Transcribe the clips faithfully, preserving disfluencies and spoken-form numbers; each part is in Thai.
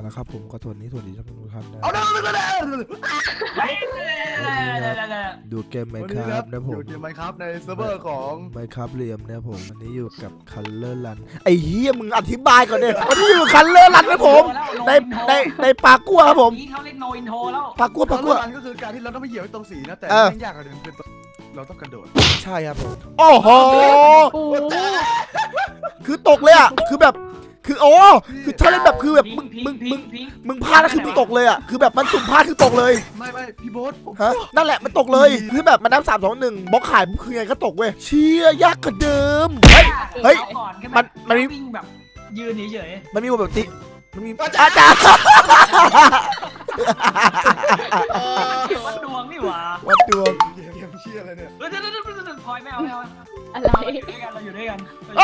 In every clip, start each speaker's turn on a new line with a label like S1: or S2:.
S1: นะครับผมก็สวัสดีสวัสดีท่านผู้ชมนะดูเกมไมค์ครับนะผม
S2: ดูเกมไมค์ครับในเซิร์ฟเวอร์ของ
S1: ไมค์ครับเรียมนะผมวันนี้อยู่กับคัลเลอร์รันไอ้เหี้ยมึงอธิบายก่อนเนี่ยวันนี้อยู่คัลเลอร์รันนะผมในในในปากกัวครับผม
S3: เขาเรียกโนอินโทรแล้ว
S1: ปากกัวปากกัว
S2: ก็คือการที่เราต้องไปเหยียบตรงสีนะแต่ไม่ยากกว่าเดิมคือเราต้องกระโดด
S1: ใช่ครับผมโอ้โหคือตกเลยอ่ะคือแบบคือโอ้คือถ้าเล่นแบบคือแบบมึงมึงมึงมึงพลาดแล้วคือมึงตกเลยอ่ะคือแบบมันสุ่มพลาดคือตกเลย
S2: ไม่ไม่พี่โบ๊ท
S1: ฮะนั่นแหละมันตกเลยคือแบบมันนับสามสองหนึ่งบล็อกขายคือไงก็ตกเว้ยเชี่ยยากกว่าเดิมเฮ้ยเฮ้ยมันมันมี
S3: แบบยืนเฉย
S1: ๆมันมีแบบติมันมีอาจารย์
S3: วัดดวงนี่หว่า
S1: วัดดวง
S2: เกมเชี่ยอะไรเนี่ย
S3: เออเดี๋ยวเดี๋ยวพลอยไม่เอาไม่เอา
S4: อะไรเรา
S3: อยู่ด้วยกันเราอยู่ด้วยกัน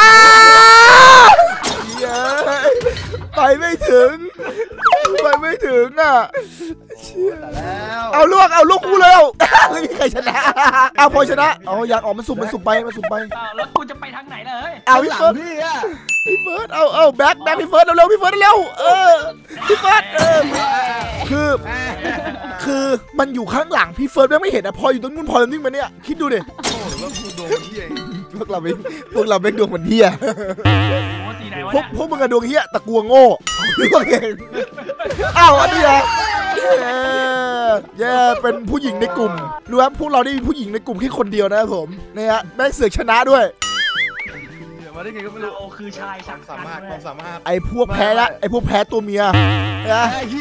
S1: เย้ไปไม่ถึงไปไม่ถึงอ่ะเอาลูกเอาลูกคู่เลยไม่มีใครชนะเอาพอชนะเอาอยากออกมันสุ่มมันสุ่มไปมันสุ่มไป
S3: แล้วกูจะไปทางไหนเลย
S1: เอาพี่เฟิร์สพี่อ่ะพี่เฟิร์สเอาเอาแบ็คแบ็คพี่เฟิร์สเร็วๆพี่เฟิร์สเร็วเออพี่เฟิร์สเออคือคือมันอยู่ข้างหลังพี่เฟิร์สไม่เห็นอ่ะพออยู่ตรงนู้นพอตรงนี้มาเนี่ยคิดดูดิพวกเราไม่พวกเราไม่ดวงมันเหี้ยพวกพวกมึงกระดวงเหี้ยตะกัวโง่พวกเองอ้าวอันนี้เหรอแย่เป็นผู้หญิงในกลุ่มรู้ครับพวกเราได้มีผู้หญิงในกลุ่มแค่คนเดียวนะครับผมเนี่ยฮะแม่เสือกชนะด้วย
S2: มาได้ไงก็ไม่รู้
S3: โอ้คือชาย
S2: สามารถความสามารถ
S1: ไอ้พวกแพ้ละไอ้พวกแพ้ตัวเมียนะ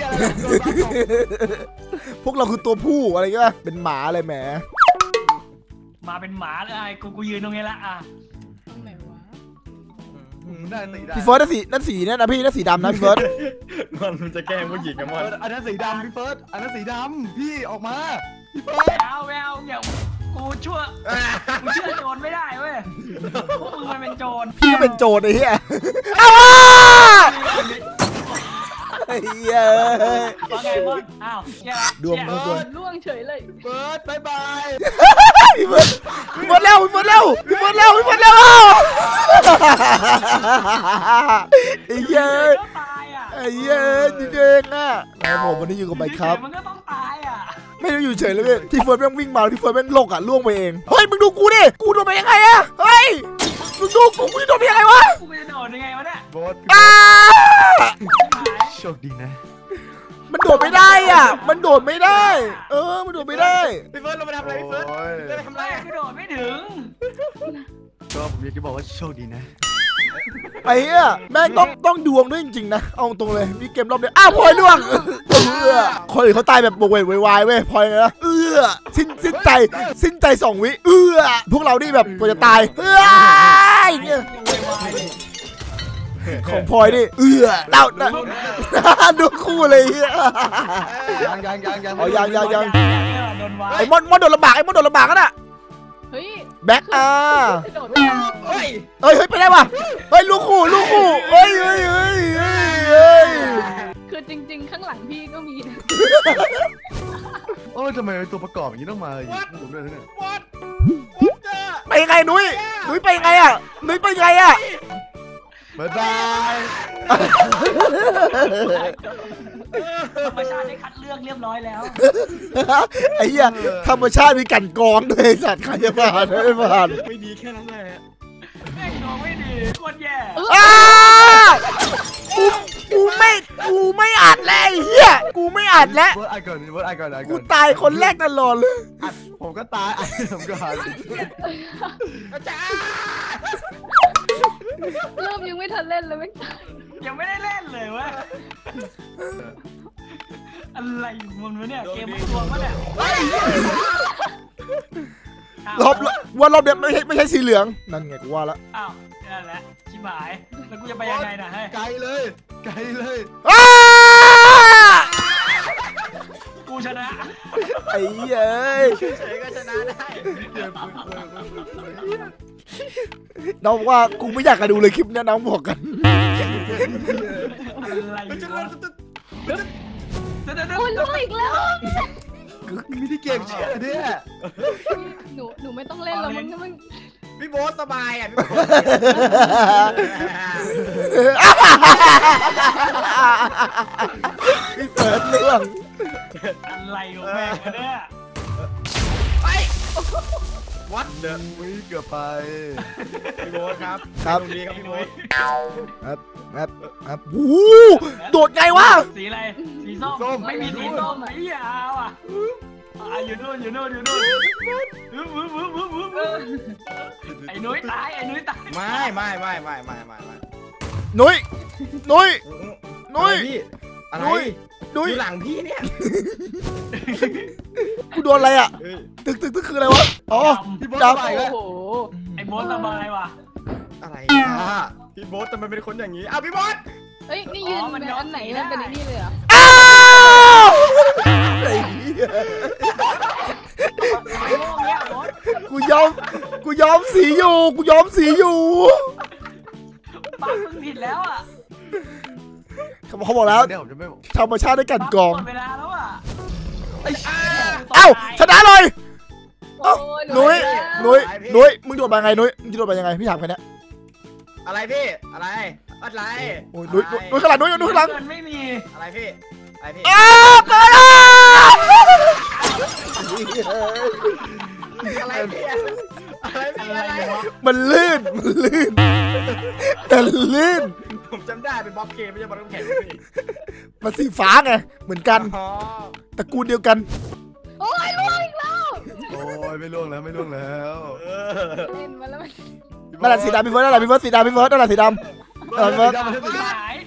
S1: พวกเราคือตัวผู้อะไรก็เป็นหมาอะไรแหม
S3: มาเป็นหมาเลยกูกูยืนตรงนี้ละอ่ะ
S4: ตรงไหนวะ
S2: ได้สีดำ
S1: พี่เฟิร์สนั่นสีนั่นสีเนี่ยนะพี่นั่นสีดำนะพี่เฟิร์ส
S2: มันจะแกล้งผู้หญิงกันมั้งอันนั้นสีดำพี่เฟิร์สอันนั้นสีดำพี่ออกมาพี่เฟิร์ส
S3: แววแววอย่ากูชั่วกูเชื่อโจรไม่ได้เว้ยพวกมึงมันเป็นโจร
S1: พี่เป็นโจรไอ้เหี้ยไอ้เหี้ย
S3: ว่าไงบอสอ้าว
S1: ดวงดวง
S4: ล่วงเฉยเลย
S2: เฟิร์สบายบาย
S1: พี่เฟิร์สพี่เฟิร์สเร็วพี่เฟิร์สเร็วพี่เฟิร์สเร็วพี่เฟิร์สเร็วไอ้เหี้ยไอ้เหี้ยจริงๆอ่ะแล้วผมวันนี้อยู่กับไมค์ครับ
S3: มันก็ต้องตายอ่ะ
S1: ไม่ได้อยู่เฉยเลยพี่ที่เฟิร์สแม่งวิ่งมาที่เฟิร์สแม่งโลกอ่ะล่วงไปเองเฮ้ยมึงดูกูดิกูโดนไปยังไงอะเฮ้ยมึงดูกูกูจะโดนไปยังไงวะ
S3: กูจะโดนยังไงวะเนี่ย
S2: โบสโชคดีนะ
S1: มันโดดไม่ได้อ่ะมันโดดไม่ได้เออมันโดดไม่ได้
S2: พี่เฟิร์สเราไปทำอะไรพี่เฟิร์สเราไปทำอะไร
S3: กูโดดไม่ถึง
S2: ก็ผมอยากจะบอกว่าโชคดีนะ
S1: ไอ้เหี้ยแม่งต้องต้องดวงด้วยจริงๆนะเอาตรงเลยมีเกมรอบเดียวอ้าวพลอยล่วงเออคนอื่นเขาตายแบบโบกเวทวายเว้ยพลอยนะเออสิ้นสิ้นใจสิ้นใจสองวิเออพวกเรานี่แบบกว่าจะตายเออเนี่ยของพลอยนี่เออเต่าดูคู่เลย
S2: ยังยังยังยัง
S1: อ๋อยังยังยังไอ้มอนมอนโดนลำบากไอ้มอนโดนลำบากกันอ่ะแบ็คอ่ะเฮ้ยเฮ้ยไปได้ป่ะเฮ้ยลูกคู่ลูกคู่เฮ้ยเฮ้ยเฮ้ยเฮ้ย
S4: คือจริงๆข้างหลังพี่ก็มีนะ
S2: โอ้ยทำไมตัวประกอบอย่างนี้ต้องมาอยู่ผมด้วยเนี่ย
S1: ไปยังไงนุ้ยนุ้ยไปยังไงอ่ะนุ้ยไปยังไงอ่ะ
S2: บ๊ายบาย
S3: ธรรมชาติได้คัดเลือกเรียบร้อยแล้ว
S1: ไอ้เหี้ยธรรมชาติมีกันกองด้วยสัตว์ใครจะผ่านไม่ผ่าน
S2: ไม่ดีแค่นั้นแหละ
S3: แม่งกองไม่ดีโคตรแย่
S1: กูกูไม่กูไม่อัดแล้วไอ้เหี้ยกูไม่อัดแล้วกูตายคนแรกตลอดเลย
S2: ผมก็ตายไอ้ผมก็หาย
S4: เริ่มยังไม่ทันเล่นเลยไม่
S3: ยังไม่ได้เล่นเลยเว้ยอะไรมันวะเนี่ยเกมมันตัวมันเนี่ย
S1: รอบว่ารอบเนี้ยไม่ใช่ไม่ใช่สีเหลืองนั่นไงกูว่าละ
S3: อ้าวนั่นแหละชิบหายแล้วกูจะไปยังไงนะให้
S2: ไกลเลยไกลเลย
S3: กูชนะ
S1: ไอ้เย้ย
S3: เฉยก็ชนะได้
S1: น้องว่ากูไม่อยากจะดูเลยคลิปนี้น้องบอกกัน
S3: อะไร
S4: คุณรู้อีกแล้ว
S2: มีที่เกมเชื่อเนี่ย
S4: หนูหนูไม่ต้องเล่นแล้วมึงมัน
S2: พี่โบ๊ทสบายอ่ะพี่โบ๊ท
S1: พี่เฟิร์สล่วง
S3: อะไรของแม่งเนี่ย
S2: ไปวัดเดอะ
S5: อุ้ยเกือบไป
S2: พี่โบ๊ทครับ
S1: ครับ
S2: ตรงนี้ครับพี่โบ๊ท
S1: ครับครับครับโอ้โหโดดไงวะ
S3: สีอะไรสีส้มไม่มีสีส้มไอ้เหี้ยเอาอ่ะอ่ะอยู่นู่นอยู่นู่นอยู่นู่นวึบวึบวึบวึบวึบวึบไอ้นุ้ยตายไอ้นุ้ยตาย
S2: ไม่ไม่ไม่ไม่ไม่ไม่ไม่
S1: นุ้ยนุ้ย นุ้ย
S2: อะไร
S1: นุ้ย
S2: พี่
S1: นุ้
S2: อะไรอย ยู่หลังพี่เนี่ย
S1: กูโดนอะไรอ่ะ
S2: เฮ้ย
S1: ตึกตึกตึกคืออะไรวะอ๋อ
S5: พี่โบ๊ท
S1: จับ
S5: ไป
S4: โอ้
S5: แล้ว
S4: โห
S3: ไอ้โบ๊ทสบายว่ะ
S2: อะไรอ่ะพี่โบ๊ททำไมเป็นคนอย่างนี้อ้าวพี่โบ๊ท
S4: เฮ้ยนี่ยืนมันอันไหนมันเป็นไอ้นี่เลยเหรอ
S1: อ้าวไอ้เหี้ย
S3: ไอ้โม่เนี้ยโบ๊ท
S1: กูยอมกูยอมสีอยู่กูยอมสีอยู่
S3: ปังมึงผิดแล้วอ่ะ
S1: เขาบอกเขาบอกแล้ว
S5: เดี๋ยวผมจะไม่
S1: ธรรมชาติได้กลันกรอง
S3: หมดเวลาแล้วอ่ะ
S1: เอ้าชนะเลย
S4: โอ้ย
S1: นุ้ยนุ้ยนุ้ยมึงโดดมาไงนุ้ยมึงจะโดดมายังไงพี่ถามแค่นี้
S2: อะไรพี่อะไรอะไร
S1: โอ้ยนุ้ยนุ้ยนุ้ยข้างหลังนุ้ยนุ้ยข้างหลัง
S3: เงินไม่มี
S2: อะไรพี่อะไรพี่
S1: อ้าวเปิดอ่ะ
S2: อะไรพี่อะไรพี่
S3: อะไร
S2: อะไร
S3: วะ
S1: มันลื่นมันลื่นแต่ลื่น
S2: ผมจำได้เป็นบ๊อบเกมไม่ใช่บ๊อบน้ำแข็งพี่
S1: มันสีฟ้าไงเหมือนกัน
S2: อ๋อ
S1: ตระกูลเดียวกัน
S4: โอ้ยล่วงอีกแล้ว
S5: โอ้ยไม่ล่วงแล้วไม่ล่วงแล้ว
S2: เออ
S4: เล่นมาแล้วมัน
S1: นั่นแหละสีดำพี่เฟิร์สนั่นแหละพี่เฟิร์สสีดำพี่เฟิร์สนั่นแหละสีดำนั่นแหละพี่เฟิร์ส
S3: หาย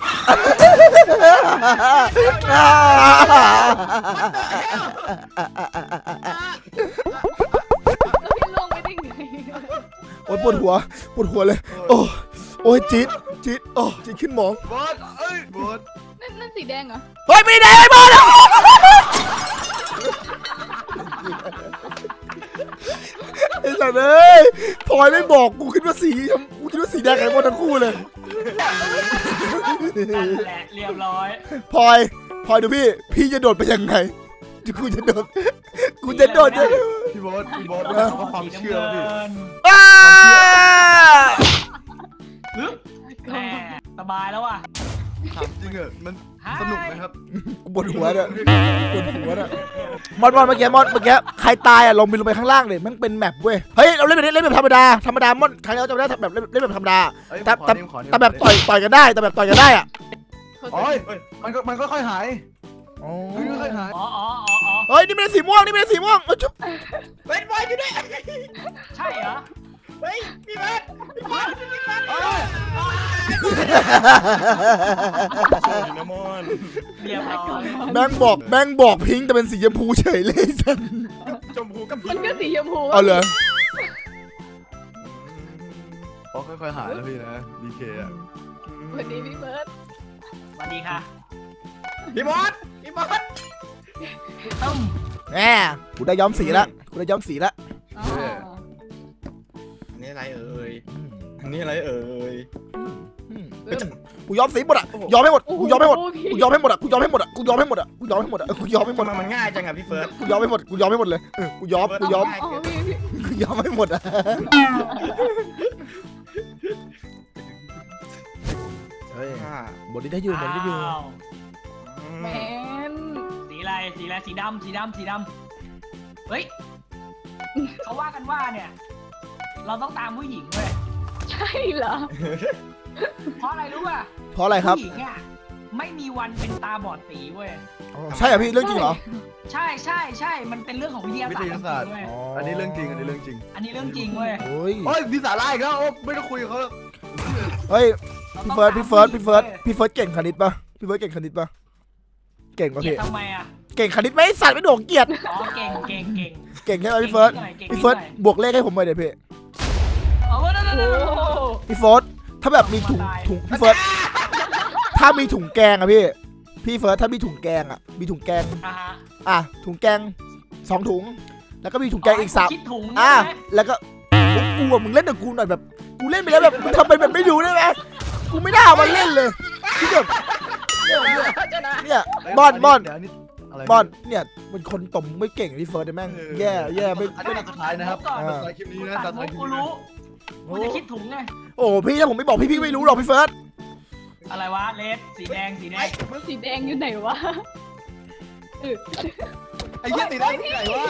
S4: แล้วพี่ล่วงไม่ได้ไง
S1: โอ้ยปวดหัวปวดหัวเลยโอ้โอ้ยจี๊ดจี๊ดโอ้จี๊ดขึ้นหมอง
S5: โบ๊ทเอ้ยโบ๊ท
S4: นั่นนั่นสีแดงเหรอ
S1: เฮ้ยไม่ได้ไอ้บอลอ่ะไอ้สัตว์เอ้ยพลอยไม่บอกกูคิดว่าสีกูคิดว่าสีแดงไอ้บอลทั้งคู่เลย
S3: นั่นแหละเรียบร้อย
S1: พลอยพลอยดูพี่พี่จะโดดไปยังไงกูจะโดดกูจะโดดยังไง
S5: พี่โบ๊ทพี่โบ๊ทเพราะความเชื่อพี่
S1: อ้า
S3: ฮึบแหมสบายแล้วว่ะ
S5: ถามจริงเหรอมันสนุกไหมครับ
S1: ปวดหัวเนี่ยปวดหัวเนี่ยมอนมอนเมื่อกี้มอนเมื่อกี้ใครตายอ่ะลงไปลงไปข้างล่างเลยมันเป็นแมปเว้ยเฮ้ยเราเล่นแบบนี้เล่นแบบธรรมดาธรรมดามอนครั้งนี้เราจะไม่ได้แบบเล่นเล่นแบบธรรมดา
S5: เอ้ย
S1: แต่
S5: ขอ
S1: แต่
S5: นิ้วขอนิ้ว
S1: แต่แบบต่อยต่อยกันได้แต่แบบต่อยกันได้อ่ะ
S5: โอ้ยมันก็มันก็ค่อยหายมันก็ค่อยหาย
S3: อ๋ออ๋ออ๋ออ๋อ
S1: เฮ้ยนี่ไม่ได้สีม่วงนี่ไม่ได้สีม่วงเอ้ยจุ๊บ
S2: เฮ้ยบอยอยู่ด้วย
S3: ใช่เหรอ
S2: เฮ้ยพี่เบิร์ดพี่เบิร์ดพี่เบิร์ดโอ้ยโชว์ดินามอน
S3: เรียบร้อย
S1: แบงค์บอกแบงค์บอกพิงค์แต่เป็นสีชมพูเฉยเลยสัน
S2: ชมพูกับ
S4: มันก็สีชมพู
S1: เอาเลย
S5: อ๋อค่อยๆหายแล้วพี่นะดีเคอะ
S4: วันนี้พี่เบิร์ด
S3: สวัสดีค่ะ
S2: พี่บอสพี่บอส
S3: ตึ้ม
S1: แหมกูได้ย้อมสีละกูได้ย้อมสีละ
S4: อ๋อ
S2: อันนี้อะไรเอ่ยอันนี้อะไรเอ่ย
S1: กูย้อมสีหมดอ่ะย้อมให้หมดกูย้อมให้หมดกูย้อมให้หมดอ่ะกูย้อมให้หมดอ่ะกูย้อมให้หมดอ่ะกูย้อมให้หมดอ่ะกูย้อมให้หมด
S2: ทำไมมันง่ายจังอะพี่เฟิร์ส
S1: กูย้อมให้หมดกูย้อมให้หมดเลยเออกูย้อมกูย้อม
S4: อ๋อพี่พี่
S1: กูย้อมให้หมดอ่ะเฮ้ยบทนี้ได้อยู่บทนี้ได้อยู่
S3: อ้าว
S4: แมน
S3: สีอะไรสีอะไรสีดำสีดำสีดำเฮ้ยเขาว่ากันว่าเนี่ย เราต้องตามผู้หญิงเว้ย
S4: ใช่เหรอ
S3: เพราะอะไรรู้ป่ะ
S1: เพราะอะไรครับ
S3: ผู้หญิงอ่ะไม่มีวันเป็นตาบอดสีเว้ย
S1: ใช่เหรอพี่เรื่องจริงเหรอ
S3: ใช่ใช่ใช่มันเป็นเรื่องของวิทยา
S5: วิ
S3: ศาส
S5: ท
S3: ตร์
S5: ยาศาสตร์
S3: เว้ย
S5: อันนี้เรื่องจริงอันนี้เรื่องจริง
S3: อันนี้เรื่องจริงเว้ย
S1: โอ้ย
S5: โอ้ยมีสาระอีกแล้วโอ้ไม่ต้องคุยกับเขาแล้ว
S1: เฮ้ย
S3: รา
S1: พี่
S3: ต้อง
S1: เฟิร์ส
S3: ตาม
S1: พี่เฟิร์ส
S3: ผู้หญิง
S1: พี่เฟิร์ส
S3: ว้ย
S1: พี่เฟิร์สเก่งคณิตปะพี่เฟิร์สเก่งคณิตปะเก่งปะ
S3: เกลีย
S1: พี่
S3: ดทำไมอ่ะ
S1: เก่งคณิตไหมสัตว์ไม่โดดเกลียด
S3: อ๋อเก่งเก่งเก่ง
S1: เก่งใช่ไหมพี่เฟิร์ส
S3: เก่ง
S1: พี่เฟิร์ส
S3: ก่ง
S1: บวกเลขให้ผมหน่อยเดี๋ยวพี่
S3: เอาเว้ยเดี๋ยว
S4: โอ้
S3: เดี๋ยวเดี๋ยวเดี๋ยว
S1: พี่เฟิร์สถ้าแบบมีถุงถุงพี่เฟิร์สถ้ามีถุงแกงอะพี่พี่เฟิร์สถ้ามีถุงแกงอะมีถุงแกง
S3: อ่ะฮะ
S1: อ่ะถุงแกงสองถุง แล้วก็มีถุงแกงอีกสาม
S3: คิดถุง
S1: อ่ะ
S3: ใช่ไหม
S1: แล้วก็กูอะมึงเล่นกับกูหน่อยแบบกูเล่นไปแล้วแบบมึงทำเป็นแบบไม่ดูได้ไหมกูไม่ได้เอามาเล่นเลยที่แบบเนี่ยบอนบอน
S5: เดี๋ยวนี้อะไร
S1: บอนเนี่ยเป็นคนตบไม่เก่งพี่เฟิร์สเลยแม่งแย่แย่ไม่
S5: อันนี้ตาสุดท้ายนะครับ
S3: ก่อน
S5: ตาสุดท้ายคลิปนี้นะตาสุดท้ายคลิป
S3: กู
S5: นี้
S3: รู้กูจะคิดถุงไง
S1: โอ้พี่ถ้าผมไม่บอกพี่พี่ไม่รู้หรอกพี่เฟิร์ส
S3: อะไรวะเลดสีแดงสีแดง
S4: สีแดงอยู่ไหนวะเออ
S5: ไอ้เหี้ยติดได้ที่ไหนวะ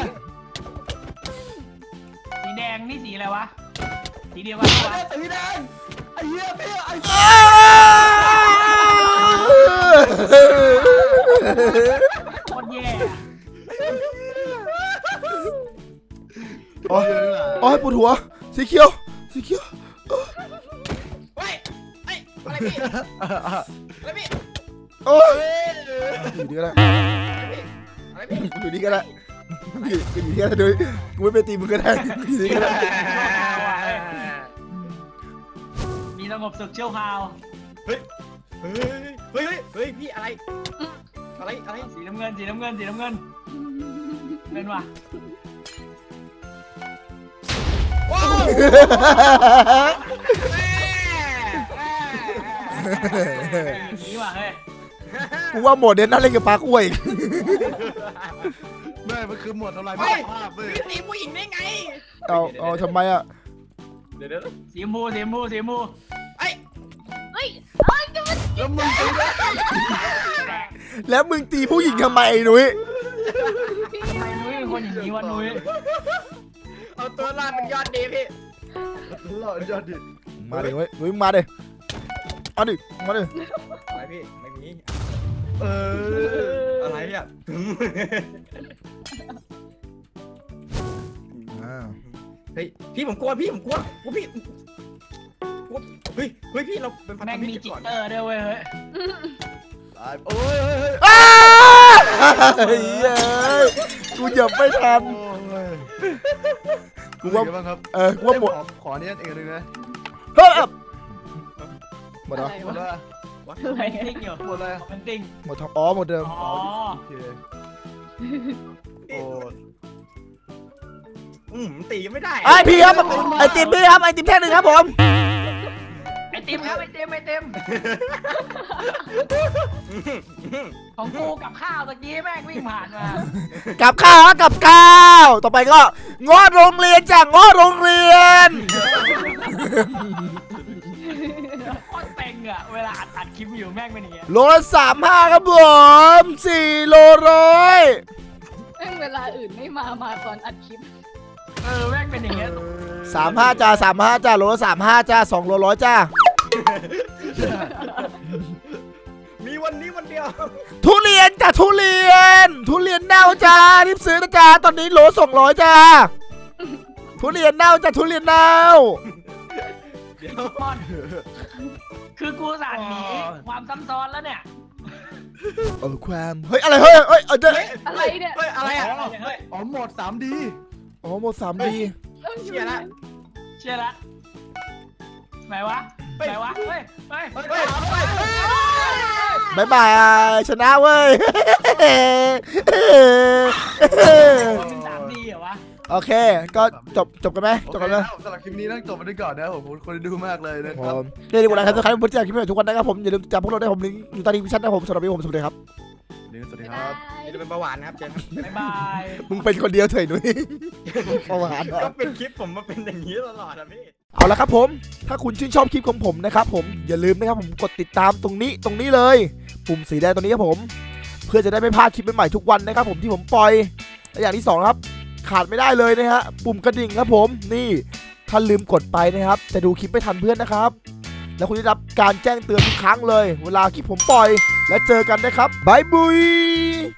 S3: สีแดงนี่สีอะไรวะสีเดียวกัน
S5: ไอ้
S3: วะ
S5: สีแดงไอ้เหี้ยพี่ไอ้
S3: โคตรแย่
S1: โอ้ยโอ้ยปวดหัวสีเขียวสีเขียว
S6: เฮ้ยเฮ้ยอะไรพี่อะไรพี่
S1: โอ้ยอยู่ดีก็ได้
S6: อะไรพี่
S1: อยู่ดีก็ได้อยู่ดีก็ได้ด้วยกูไม่ไปตีมึงก็ได้อยู่ดีก็ได้
S3: มีสงบศึกเชี่ยวคราว
S6: เฮ้ยเฮ้ยเฮ้ยเฮ้ยพี่อะไรอะไรอะไร
S3: สีน้ำเงินสีน้ำเงินสีน้ำเงินเป็นวะ
S6: ว้าว
S3: นี่ว่ะเฮ้ย
S1: กูว่าโหมดเด่นน่าเล่นกับปลาคุ้ย
S5: แม่มันคือหมวดทำลาย
S6: เฮ้ย
S5: ภาพเว้ย
S6: พี่ตีผู้หญิงได้ไง
S1: เอาเอาทำไมอ่ะ
S6: เดี๋ยวเดี๋ยว
S3: สีชมพูสีชมพูสีชมพู
S6: ไอ้
S4: เฮ้ยเอ้ยจะมา
S5: แล้วมึงตีได้
S1: แล้วมึงตีผู้หญิงทำไมไอ้หนุ่ย
S3: ทำไมนุ้ยเป็นคนอย่างนี้วะนุ้ย
S6: เอาตัวรอดเป็นยอดดีพี่
S5: หล่อยอดดิ
S1: มาดิเว้ยหนุ่ยมาดิเอาดิมาดิ
S6: อะไรพี่ไม่มี
S5: เออ
S6: อะไรอ่ะ
S1: อ่า
S6: เฮ้ยพี่ผมกลัวพี่ผมกลัวกลัวพี่กลัวเฮ้ยเฮ้ยพี่เราเป็นพันธ
S3: แม่ง
S6: มิ
S3: มี
S6: ตร
S3: จิ
S6: กัน
S3: ต
S6: ก่อน
S3: เตอร์ด้วยเว้ยเฮ้ย
S5: ตายโอ้ยเฮ้ยเฮ้ย
S1: อ้าเฮ้ยกูเหยียบไม่ทัน
S5: โอ้ย
S1: กูว่า
S5: เป็นไงบ้างครับ
S1: เออกูว่าหมด
S5: ขอขอเนี่ยเองเลยนะ
S1: เฮ้ยหมดเหรอ
S4: อะไร
S5: หมด
S4: วะ
S5: แล้ว
S4: อะไร
S3: เป็นติ้งอยู่
S5: หมดแล้ว
S3: เป็นติ้ง
S1: หมดทั้งอ๋อหมดเดิม
S3: อ๋อ
S5: โอเคโอ้
S6: อืมตีไม่ได้
S1: ไอพี่ครับไอติมพี่ครับไอติมแท่งหนึ่งครับผม
S3: ไอติมครับไอติมไอติมของกูกับข้าวตะกี้แม่งวิ่งผ่านมา
S1: กับข้าวกับข้าวต่อไปก็งอโรงเรียนจากงอโรงเรียน
S3: โคตรเต็งอะเวลาอัดอัดคลิปอยู่แม่งเป็นอย่างเงี้ย
S1: โลละสามห้าครับผมสี่โลร้อย
S4: แม่งเวลาอื่นไม่มามาตอนอัดคลิป
S3: เออแม่งเป็นอย่างเงี้ย
S1: สามห้าจ้าสามห้าจ้าโลละสามห้าจ้าสองโลร้อยจ้า
S6: มีวันนี้วันเดียว
S1: ทุเรียนจ้าทุเรียน ทุเรียนเน่าจ้ารีบซื้อนะจ้าตอนนี้โลสองร้อยจ้าทุเรียนเน่าจ้าทุเรียนเน่า
S6: เดี๋ยว
S3: มอนคือกูสั่นหนีความซ้ำซ้อนแล้วเนี่ย
S1: เออความเฮ้ยอะไรเฮ้ยเฮ้ยเออเจอ
S4: อะไรเนี่ย
S6: เฮ้ยอะไรอ่ะ
S3: เฮ้ย
S5: อ๋อโหมด สามดี
S1: อ๋อหมดสามดี
S4: ต้องอ
S6: เชี
S4: ยู่
S6: ยร์ละ
S3: เชื่อละไหนวะไหนวะเฮ้ยเฮ้ย
S6: เฮ้ยเฮ้ยเฮ้ยเฮ้ย
S1: บายบายชนะเว้ย
S3: เป็นสามดีเหรอวะ
S1: โอเคก็จบจบกันไหมจบกันไหม
S5: โอเคครับสำหรับคลิปนี้ต้องจบไปด้วยก่อนนะครับผมขอบคนดูมากเลยนะ
S1: ผ
S5: ครับ
S1: มนี่ดีกว่านะครับทุกครั้งที่ผมจะคลิปใหม่ทุกวันนะครับผมอย่าลืมจำพวกเราได้ผมลิงก์อยู่ใต้ลิงก์วิชั่นนะครับผมสำหรับวันนี้ผมสวัสดีครับ
S5: สวัสดี
S4: บ๊าย
S5: ครับ
S4: บาย
S6: จะเป็นเบาหวานนะครับเจนครับ
S3: บ๊ายบาย
S1: มึงเป็นคนเดียวเถอะหนุ่ยประมาณ
S6: ก็เป็นคลิปผมมาเป็นอย่างนี้ตลอดอะพี่
S1: เอาละครับผมถ้าคุณชื่นชอบคลิปของผมนะครับผมอย่าลืมนะครับผมกดติดตามตรงนี้ตรงนี้เลยปุ่มสีแดงตรงนี้ครับผมเพื่อจะได้ไม่พลาดคลิปใหม่ๆทุกวันนะครับผมที่ผมปล่อยและอย่างที่สองครับขาดไม่ได้เลยนะฮะปุ่มกระดิ่งครับผมนี่ถ้าลืมกดไปนะครับจะดูคลิปไม่ทันเพื่อนนะครับแล้วคุณจะได้รับการแจ้งเตือนทุกครั้งเลยเวลาคลิปผมปล่อยและเจอกันนะครับบายบุย